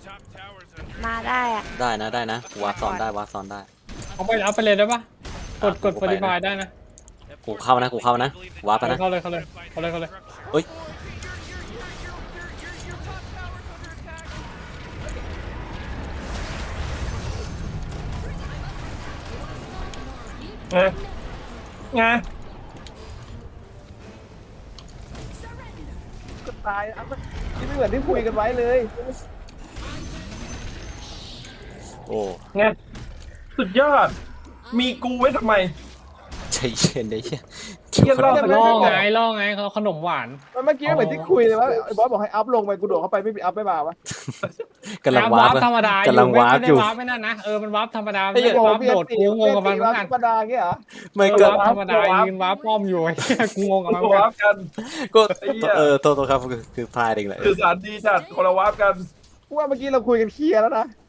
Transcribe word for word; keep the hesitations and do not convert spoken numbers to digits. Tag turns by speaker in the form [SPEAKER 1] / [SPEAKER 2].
[SPEAKER 1] มาได้อะ
[SPEAKER 2] ได้นะได้นะวาร์ปซ้อนได้วาร์ปซ้อนได้
[SPEAKER 3] เอาไปเอาไปเลยได้ปะกดกด
[SPEAKER 2] กู
[SPEAKER 3] ฟอ
[SPEAKER 2] ไป
[SPEAKER 3] ร์ติฟายได้นะ
[SPEAKER 2] กูเข้านะกูเข้านะวาร์ปไปนะ
[SPEAKER 3] เข้าเลยเข้าเลยเข้าเลยเข้าเลย
[SPEAKER 2] เฮ้ย
[SPEAKER 4] ไงไงก็ตายอ่ะที่ไม่เหมือนที่คุยกันไว้เลย
[SPEAKER 2] โอ้
[SPEAKER 4] ไงสุดยอดมีกูไว้ทำไม
[SPEAKER 2] ใจเย็นได้เชี่ย
[SPEAKER 4] เชี่ยรอบ
[SPEAKER 3] ล่อไงล่อไงเขาขนมหวาน
[SPEAKER 4] มันเมื่อกี้เหมือนที่คุยเลยว่าไอ้บอสบอกให้อัพลงไปกูโดดเข้าไปไม่มีอัพไม่มาวะ
[SPEAKER 2] กำลังวาร์ป
[SPEAKER 3] ธรรมดาก
[SPEAKER 2] ำลังวาร์ป
[SPEAKER 3] ไม่
[SPEAKER 2] อ
[SPEAKER 3] ได้
[SPEAKER 2] ยู่
[SPEAKER 3] วาร์ปไม่นั่นนะเออมันวาร์ปธรรมดา
[SPEAKER 4] ไอ้
[SPEAKER 3] ไม่
[SPEAKER 4] เหี้ย
[SPEAKER 3] ได้
[SPEAKER 4] โด
[SPEAKER 3] วา
[SPEAKER 4] ด
[SPEAKER 3] ร์ป
[SPEAKER 4] เบีย
[SPEAKER 3] โด
[SPEAKER 4] ด
[SPEAKER 3] ด
[SPEAKER 4] ตี
[SPEAKER 3] กูงงกับมันเหมือน
[SPEAKER 4] ธ
[SPEAKER 3] กั
[SPEAKER 4] ร
[SPEAKER 3] น
[SPEAKER 4] รมดาเงี้ยเหรอ
[SPEAKER 2] ไม่
[SPEAKER 3] เออ
[SPEAKER 2] ก็
[SPEAKER 3] วาร์ปธรรมดายืนวาร์ปป้อมอยู่ไอ้เหี้ยกูงงกับมันเหมือน
[SPEAKER 4] วา
[SPEAKER 3] กัน
[SPEAKER 4] ร์ปกัน
[SPEAKER 2] ก็
[SPEAKER 4] ไอ้เหี้ย
[SPEAKER 2] เออโทษโทษครับคือคือพลาดเองแหละ
[SPEAKER 4] สื่อสารดีจัดคนละวาร์ปกันกูว่าเมื่อกี้เราคุยกันเคลียร์แล้วนะ